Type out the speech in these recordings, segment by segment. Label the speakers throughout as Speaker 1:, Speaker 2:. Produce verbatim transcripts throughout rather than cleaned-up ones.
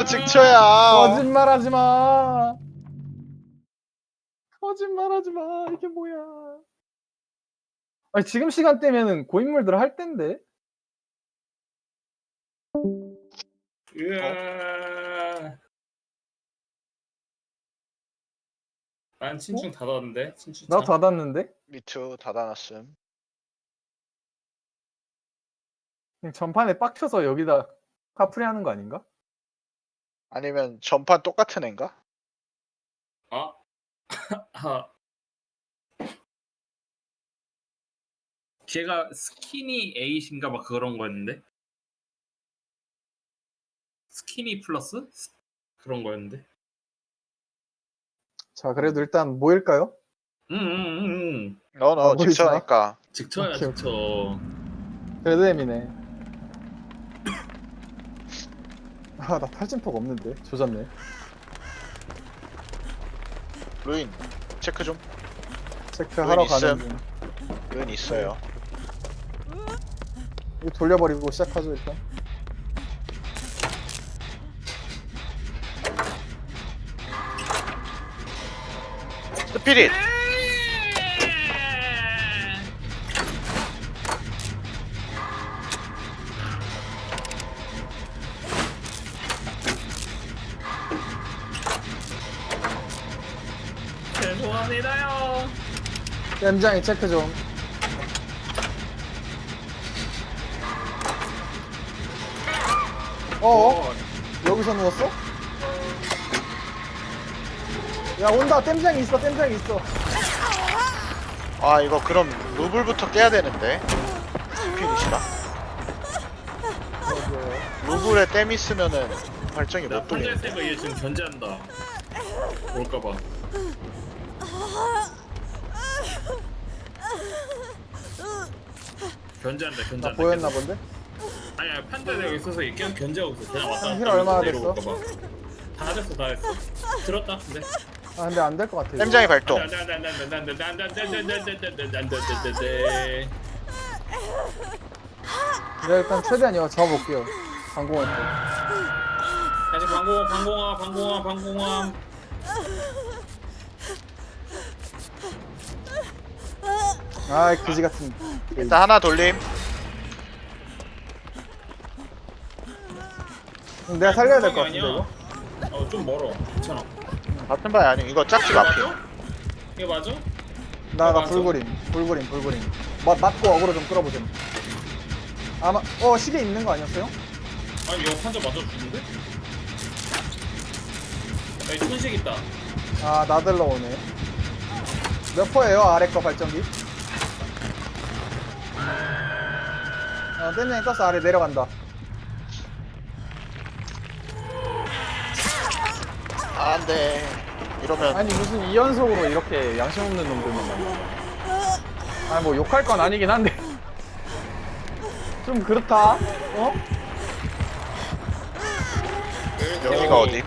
Speaker 1: 직처야.
Speaker 2: 거짓말하지 마. 거짓말하지 마. 이게 뭐야? 아니 지금 시간대면은 고인물들 할 텐데.
Speaker 3: 으아. 난 친충 닫았는데 친충.
Speaker 2: 나 닫았는데.
Speaker 1: 미투 닫아놨음.
Speaker 2: 그냥 전판에 빡쳐서 여기다 카프리 하는 거 아닌가?
Speaker 1: 아니면 전판 똑같은 앤가?
Speaker 3: 아. 아. 걔가 스키니 에잇인가 막 그런 거였는데. 스키니 플러스 스- 그런 거였는데.
Speaker 2: 자 그래도 일단 모일까요?
Speaker 3: 응응응.
Speaker 1: 너너
Speaker 2: 아, 보이지
Speaker 1: 직처니까.
Speaker 3: 직처야
Speaker 2: 오케이,
Speaker 3: 직처.
Speaker 2: 그래도 M이네. 아나 탈진폭 없는데 조졌네.
Speaker 1: 루인 체크 좀.
Speaker 2: 체크하러 가는
Speaker 1: 있음.
Speaker 2: 중.
Speaker 1: 루인 있어요.
Speaker 2: 이거 돌려버리고 시작하죠 일단.
Speaker 1: 스피릿.
Speaker 3: 죄송합니다요.
Speaker 2: 땜장이 체크 좀. 어어? 여기서 누웠어? 야 온다. 땜장이 있어. 땜장이 있어.
Speaker 1: 아 이거 그럼 루블부터 깨야 되는데. 스피릿이라. 루블에 댐 있으면은 발정이
Speaker 3: 나
Speaker 1: 못
Speaker 3: 판자
Speaker 1: 돌리는데.
Speaker 3: 세가 얘 지금 견제한다. 올까봐. 견제한다
Speaker 2: 나
Speaker 3: 견제한다.
Speaker 2: 보였나
Speaker 3: 계속.
Speaker 2: 본데?
Speaker 3: 아니 아니 판자 내가 있어서 얘 계속 견제하고 있어. 그냥 왔다
Speaker 2: 힐
Speaker 3: 갔다
Speaker 2: 얼마나
Speaker 3: 하면서
Speaker 2: 됐어?
Speaker 3: 내려올까봐. 다 됐어 다 됐어. 들었다 근데.
Speaker 2: 아 근데 안 될 것 같아. 이거.
Speaker 1: 댐장이 발동.
Speaker 3: 안돼 안돼 안돼 안돼 안돼 안돼 안돼 안돼 안돼 안돼 안돼 안돼 안돼 안돼.
Speaker 2: 내가 일단 최대한 이거 잡아볼게요. 방공할 때.
Speaker 3: 다시 방공함 방공함 방공함 방공함.
Speaker 2: 아이 그지 같은.
Speaker 1: 일단 하나 돌림.
Speaker 2: 내가 살려야 될 것 같은데
Speaker 3: 아니야.
Speaker 2: 이거.
Speaker 3: 어좀 멀어. 괜찮아.
Speaker 1: 같은 바이 아니 이거 짝집 앞이.
Speaker 3: 맞아? 이거 맞아?
Speaker 2: 나, 나
Speaker 3: 맞아?
Speaker 2: 불고림, 불고림, 불고림. 맞, 맞고 어그로 좀 끌어보자. 아마, 어, 시계 있는 거 아니었어요?
Speaker 3: 아니 이거 판자 맞아 죽는데? 여기 천식 있다.
Speaker 2: 아, 나들러 오네. 몇 퍼예요, 아래 거 발전기? 어, 땜장이 떴어, 아래 내려간다.
Speaker 1: 아, 안돼. 이러면
Speaker 2: 아니, 무슨 이 연속으로 이렇게 양심 없는 놈들만 만나. 아니, 뭐, 욕할 건 아니긴 한데. 좀 그렇다, 어?
Speaker 1: 여기가 어디?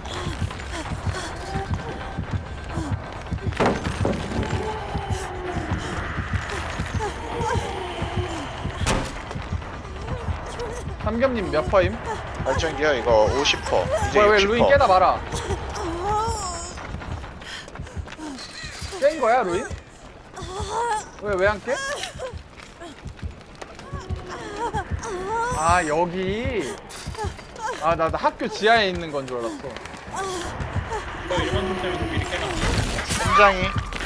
Speaker 2: 삼겸님 몇 퍼임?
Speaker 1: 발전기요 이거 오십 퍼. 이제
Speaker 2: 뭐야, 왜
Speaker 1: 육십
Speaker 2: 루인
Speaker 1: 퍼.
Speaker 2: 깨다 말아. 깬 거야, 루인? 왜, 왜 안 깨? 아, 여기. 아, 나, 나 학교 지하에 있는 건 줄 알았어.
Speaker 3: 너 일반 통 때문에 미리 깨놨어.
Speaker 1: 댐장이.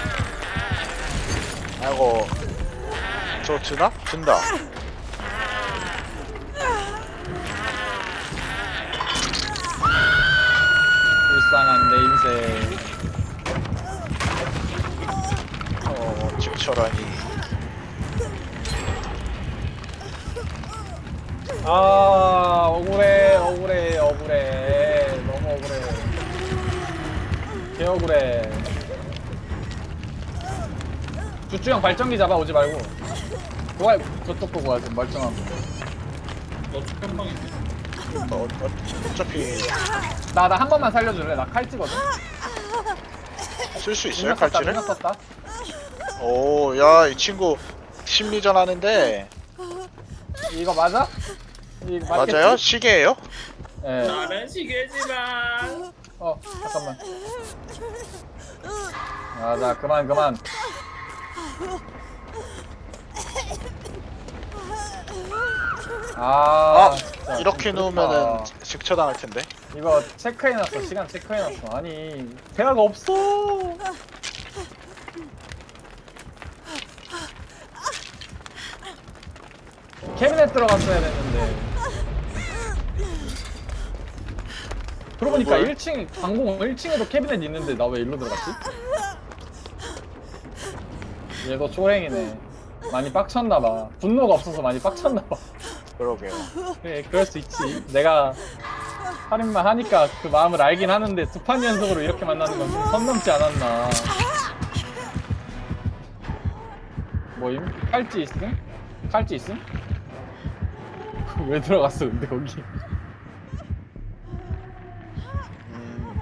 Speaker 1: 아이고. 저 드나? 든다.
Speaker 2: 불쌍한 내 인생.
Speaker 1: 어 직처라니.
Speaker 2: 아, 억울해, 억울해, 억울해. 너무 억울해. 개 억울해. 주주형 발전기 잡아 오지 말고. 그거 저쪽 보고 와좀 멀쩡하고.
Speaker 3: 너 축한방인데.
Speaker 1: 어, 어, 어차피
Speaker 2: 나, 나 한 번만 살려줄래? 나 칼찌거든?
Speaker 1: 쓸 수 있어요
Speaker 2: 능력 썼다,
Speaker 1: 칼질을?
Speaker 2: 능력 썼다.
Speaker 1: 오, 야, 이 친구 심리전 하는데
Speaker 2: 이거 맞아? 이거 맞겠지?
Speaker 1: 맞아요? 시계예요?
Speaker 2: 예.
Speaker 3: 나는 시계지만.
Speaker 2: 어 잠깐만. 아자 그만 그만. 아,
Speaker 1: 아
Speaker 2: 진짜
Speaker 1: 이렇게
Speaker 2: 좀
Speaker 1: 놓으면은
Speaker 2: 그렇다.
Speaker 1: 직처당할 텐데.
Speaker 2: 이거 체크해놨어. 시간 체크해놨어. 아니 대화가 없어. 캐비넷 들어갔어야 됐는데. 그러고 보니까
Speaker 1: 뭘?
Speaker 2: 일 층 방공 일 층에도 캐비넷 있는데 나 왜 일로 들어갔지? 얘도 초랭이네. 많이 빡쳤나봐. 분노가 없어서 많이 빡쳤나봐.
Speaker 1: 그러게요.
Speaker 2: 그래 그럴 수 있지. 내가 살인만 하니까 그 마음을 알긴 하는데 두 판 연속으로 이렇게 만나는 건 좀 선 넘지 않았나. 뭐임? 칼찌 있음? 칼찌 있음? 왜 들어갔어 근데 거기?
Speaker 1: 음,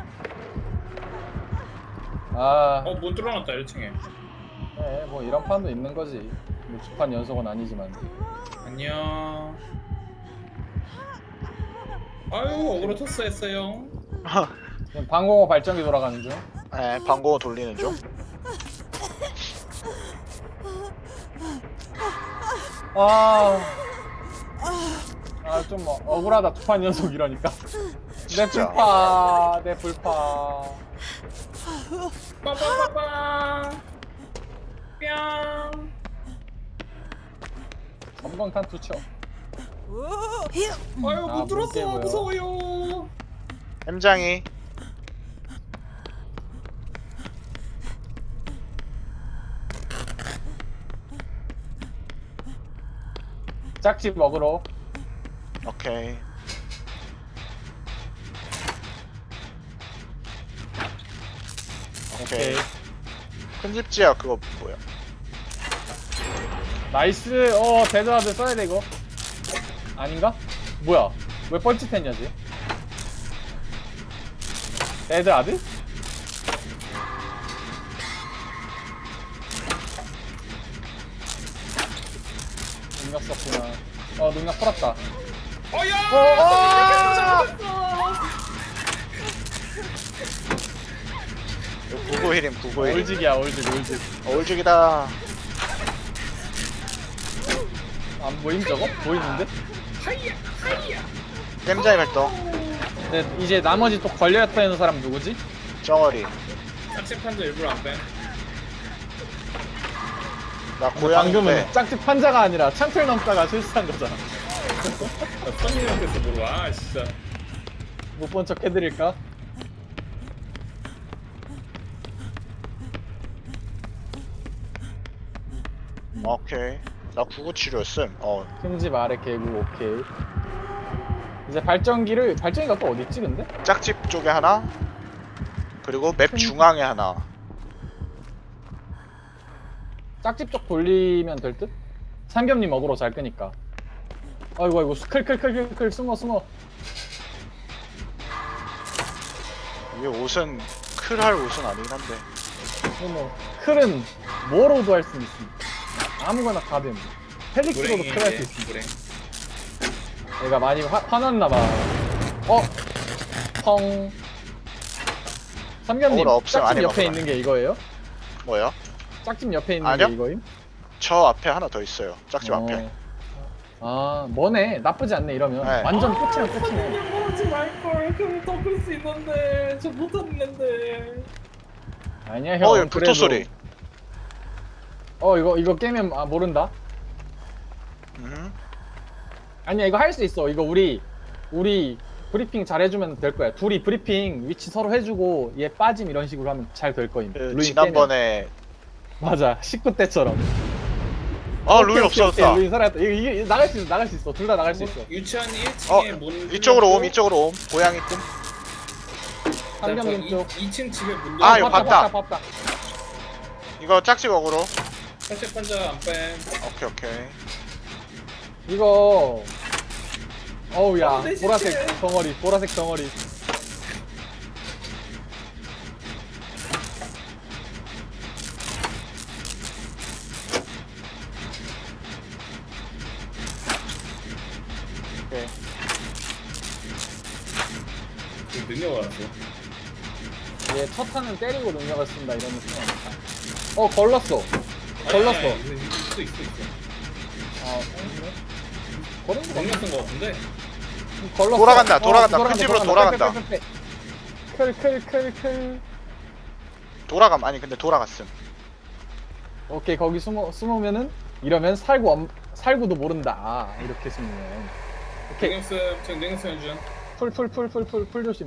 Speaker 2: 아,
Speaker 3: 어, 문 뚫어놨다 일 층에.
Speaker 2: 네, 뭐 이런 판도 있는 거지. 뭐 두 판 연속은 아니지만.
Speaker 3: 안녕. 아유, 어그로 토스 했어요.
Speaker 2: 지금 방공호 발전기 돌아가는 중.
Speaker 1: 네, 방공호 돌리는 중.
Speaker 2: 아, 아 좀 억울하다 두 판 연속 이러니까. 내
Speaker 1: 진짜.
Speaker 2: 불파, 내 불파.
Speaker 3: 빠빠빠빠. 뿅.
Speaker 2: 전방탄 투척.
Speaker 3: 아유,
Speaker 2: 아,
Speaker 3: 문 뚫었어.
Speaker 2: 문제고요.
Speaker 3: 무서워요.
Speaker 1: 햄장이.
Speaker 2: 짝집 먹으러.
Speaker 1: 오케이. 오케이. 큰 집지야 그거 뭐야?
Speaker 2: 나이스. 어 데드하드 써야 돼 이거. 아닌가? 뭐야? 왜 뻘짓했냐지? 데드하드? 능력 썼구나. 어 능력 풀었다.
Speaker 3: 어야.
Speaker 2: 어,
Speaker 1: 구구힐임
Speaker 2: 어!
Speaker 1: 구구힐.
Speaker 2: 올직이야 올직 올직.
Speaker 1: 올죽이다.
Speaker 2: 안 보임 저거? 보이는데?
Speaker 3: 하이야, 하이야.
Speaker 1: 햄장이 발동.
Speaker 2: 근데 이제 나머지 또 걸려있다 있는 사람 누구지?
Speaker 1: 정어리.
Speaker 3: 짝집판도 일부러 안 빼.
Speaker 1: 나 고양인데.
Speaker 2: 방금은 짝집 판자가 아니라 창틀 넘다가 실수한 거잖아.
Speaker 3: 나 선생님한테서 물어봐. 아, 진짜.
Speaker 2: 못 본 척 해드릴까?
Speaker 1: 오케이. 나 구구치료였음. 어.
Speaker 2: 큰 집 아래 개구 오케이. 이제 발전기를 발전기가 또 어디 있지 근데?
Speaker 1: 짝집 쪽에 하나. 그리고 맵
Speaker 2: 큰-
Speaker 1: 중앙에 하나.
Speaker 2: 짝집 쪽 돌리면 될 듯? 삼겹님 어그로 잘 끄니까. 아이고 아이고 클클클클클 숨어 숨어.
Speaker 1: 이게 옷은 클할 옷은 아니긴 한데.
Speaker 2: 뭐 클은 뭐로도 할 수 있습니다. 아무거나 다 됨. 펠릭스로도 클 할 수 있습니다.
Speaker 3: 불행.
Speaker 2: 얘가 많이 화, 화났나봐. 어? 펑. 삼겹님
Speaker 1: 어그로 없음,
Speaker 2: 짝집
Speaker 1: 안에
Speaker 2: 옆에
Speaker 1: 먹어봐.
Speaker 2: 있는 게 이거예요?
Speaker 1: 뭐야?
Speaker 2: 짝집 옆에 있는
Speaker 1: 아니요.
Speaker 2: 게 이거임?
Speaker 1: 저 앞에 하나 더 있어요. 짝집
Speaker 2: 어.
Speaker 1: 앞에.
Speaker 2: 아 뭐네 나쁘지 않네 이러면.
Speaker 1: 네.
Speaker 2: 완전 끝이면 끝이네.
Speaker 3: 하지 말걸. 그럼 덮을 수 있는데. 저 못했는데.
Speaker 2: 아니야 형.
Speaker 1: 어, 여기 불토
Speaker 2: 그래도-
Speaker 1: 소리.
Speaker 2: 어 이거 이거 깨면 아 모른다.
Speaker 1: 음.
Speaker 2: 아니야 이거 할 수 있어. 이거 우리 우리 브리핑 잘 해주면 될 거야. 둘이 브리핑 위치 서로 해주고 얘 빠짐 이런 식으로 하면 잘 될 거임.
Speaker 1: 그
Speaker 2: 루인
Speaker 1: 지난번에
Speaker 2: 깨면. 맞아 십구 때처럼.
Speaker 1: 아
Speaker 2: 오케이,
Speaker 1: 루인
Speaker 2: 오케이, 오케이.
Speaker 1: 없어졌다.
Speaker 2: 루인 살아있다. 이거, 이게 이게 나갈 수 있어 나갈 수 있어. 둘 다 나갈 수 있어.
Speaker 3: 유치원 일
Speaker 1: 어
Speaker 3: 층에 문.
Speaker 1: 이쪽으로 옴
Speaker 3: 뚫렸고,
Speaker 1: 이쪽으로 옴. 고양이 뜸.
Speaker 2: 삼경님 쪽.
Speaker 3: 이 층 집에 문.
Speaker 1: 아,
Speaker 2: 어,
Speaker 1: 이거
Speaker 2: 봤다,
Speaker 1: 봤다.
Speaker 2: 봤다 봤다.
Speaker 1: 이거 짝집 어그로.
Speaker 3: 살짝 판자 안 빼.
Speaker 1: 오케이 오케이.
Speaker 2: 이거 어우 야
Speaker 3: 어, 내
Speaker 2: 보라색
Speaker 3: 시체.
Speaker 2: 덩어리 보라색 덩어리.
Speaker 1: 오케이.
Speaker 3: 능력을 알았어.
Speaker 2: 얘 첫 탄은 때리고 능력을 쓴다 이런 느낌 아닐까? 어 걸렀어. 걸렀어.
Speaker 3: 아니, 아니, 아니, 있어 있어 있어.
Speaker 2: 아 걸렸네. 걸은 거
Speaker 3: 능력 쓴거 같은데.
Speaker 2: 걸렀어.
Speaker 1: 돌아간다,
Speaker 2: 어,
Speaker 1: 돌아간다. 큰 집으로 돌아간다.
Speaker 2: 클클클클.
Speaker 1: 돌아감 아니 근데 돌아갔음.
Speaker 2: 오케이 거기 숨어 숨으면은 이러면 살구 엄, 살구도 모른다. 아, 이렇게 숨으면. 오케이
Speaker 3: 능력 쓰 지금 능력 쓰는 중.
Speaker 2: 풀 풀 풀 풀 풀 풀 조심.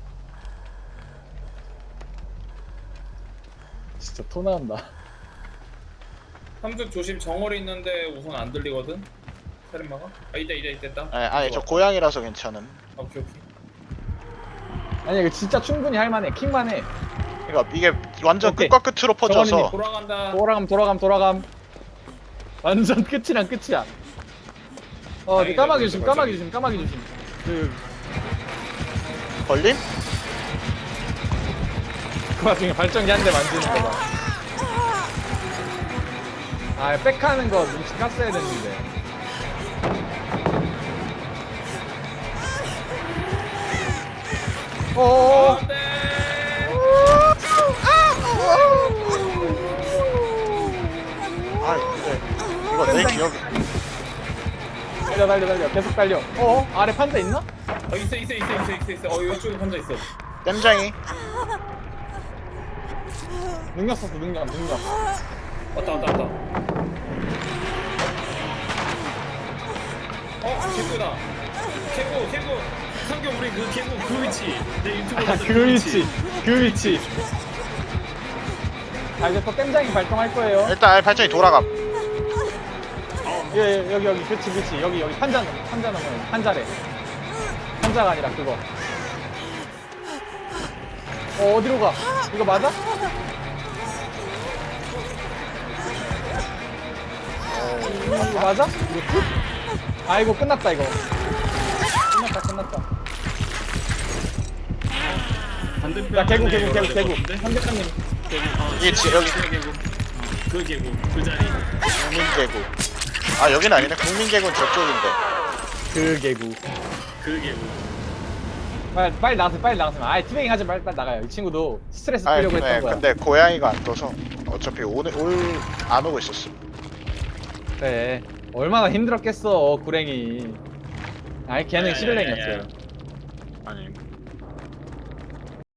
Speaker 2: 진짜 토 나온다.
Speaker 3: 삼뚝 조심. 정월이 있는데 우선 안 들리거든. 살인마가? 아 이다 이다 이다 있다.
Speaker 1: 아니, 아니 저 고양이라서 괜찮음.
Speaker 3: 아, 오케이 오케이.
Speaker 2: 아니 이거 진짜 충분히 할만해. 킹만해.
Speaker 1: 그러니까 이게 완전
Speaker 2: 오케이.
Speaker 1: 끝과 끝으로 퍼져서
Speaker 2: 정원이님,
Speaker 3: 돌아간다.
Speaker 2: 돌아감 돌아감 돌아감. 완전 끝이랑 끝이야. 어
Speaker 3: 다행이다,
Speaker 2: 까마귀 조심
Speaker 3: 그래도
Speaker 2: 까마귀 조심 까마귀 조심. 그,
Speaker 1: 걸림?
Speaker 2: 그 와중에 발전기 한 대 만지는 거 봐. 아 백하는 거 눈치 깠어야 됐는데. 어어어.
Speaker 3: 안돼.
Speaker 1: 아 근데 이거 내 기억이
Speaker 2: 달려 달려 달려 계속 달려. 어 아래 판자 있나?
Speaker 3: 어 있어 있어 있어 있어 있어 있어. 어 이쪽에 판자 있어.
Speaker 1: 땜장이
Speaker 2: 능력 썼어 능력 능력.
Speaker 3: 왔다 왔다 왔다. 어 개구다. 개구 개구. 상경 우리 그 개구 그 위치. 내 유튜브
Speaker 2: 아,
Speaker 3: 봤던
Speaker 2: 그 위치 그 위치. 아 이제 또 땜장이 발동할 거예요.
Speaker 1: 일단 발전이 돌아감.
Speaker 2: 예, 예, 여기 여기 그치 그치 여기 여기 판자 넘어 판자 넘어 판자래. 판자가 아니라 그거. 어 어디로 가? 이거 맞아? 어, 이거 맞아? 이거 끝? 아 이거 끝났다 이거. 끝났다 끝났다.
Speaker 3: 반대편.
Speaker 2: 야 개구 개구 개구 개구. 현대장님.
Speaker 1: 이게 지, 여기
Speaker 3: 개구. 그 개구 그 자리.
Speaker 1: 국민개구. 아 여긴 아니네. 국민개구는 저쪽인데.
Speaker 2: 그 개구.
Speaker 3: 그 개구.
Speaker 2: 빨리 빨리 나가세요 빨리 나가세요. 아이 티베깅 하지 빨리 빨리 나가요. 이 친구도 스트레스
Speaker 1: 아니
Speaker 2: 풀려고
Speaker 1: 네,
Speaker 2: 했던 거야.
Speaker 1: 근데 고양이가 안 떠서 어차피 오늘 올 안 오고 있었어.
Speaker 2: 그래 얼마나 힘들었겠어 구랭이. 아이 걔는
Speaker 3: 야, 야,
Speaker 2: 시블랭이었어요.
Speaker 3: 야, 야.
Speaker 1: 아니